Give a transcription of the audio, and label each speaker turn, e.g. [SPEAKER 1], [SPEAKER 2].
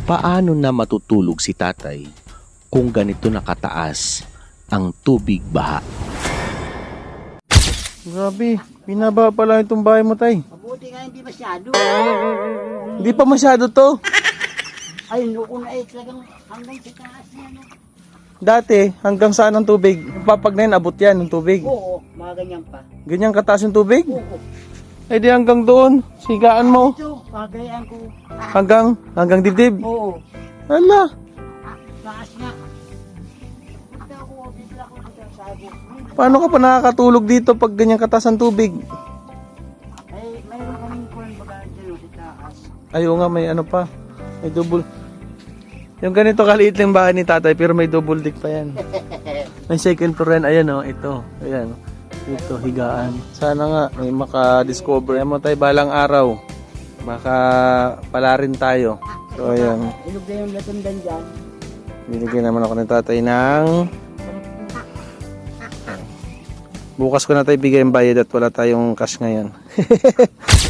[SPEAKER 1] Paano na matutulog si tatay kung ganito nakataas ang tubig baha?
[SPEAKER 2] Grabe, binaba pa lang itong bahay mo, tay.
[SPEAKER 3] Mabuti nga hindi masyado.
[SPEAKER 2] Hindi pa masyado to.
[SPEAKER 3] Ay, noon ay talagang hanggang sa taas niya, no?
[SPEAKER 2] Dati, hanggang saan ang tubig? Papag na yun, abot yan ng tubig.
[SPEAKER 3] Oo, mga ganyan pa.
[SPEAKER 2] Ganyan kataas yung tubig?
[SPEAKER 3] Oo.
[SPEAKER 2] Eh di hanggang doon, sigaan mo.
[SPEAKER 3] Ito, pagayaan ko.
[SPEAKER 2] Hanggang dibdib.
[SPEAKER 3] Oo.
[SPEAKER 2] Hala,
[SPEAKER 3] Taas nga. Punta ako, bigla ko dito sa sago.
[SPEAKER 2] paano ka pa nakakatulog dito pag ganyan kataas ang tubig?
[SPEAKER 3] Ay, mayroon kaming kuwan baga dyan sa taas.
[SPEAKER 2] Ayaw nga, may ano pa. May double. Yung ganito kaliit lang bahay ni tatay pero may double deck pa yan. May second floor yan. Ayan o, ito. Ayan. Ito, higaan. Sana nga may maka-discover. Ayan mo tayo balang araw. Baka pala rin tayo. So ayan.
[SPEAKER 3] Ilog na yung latundan dyan.
[SPEAKER 2] Binigyan naman ako ng tatay ng... Bukas ko na tayo bigay ang bayad at wala tayong cash ngayon.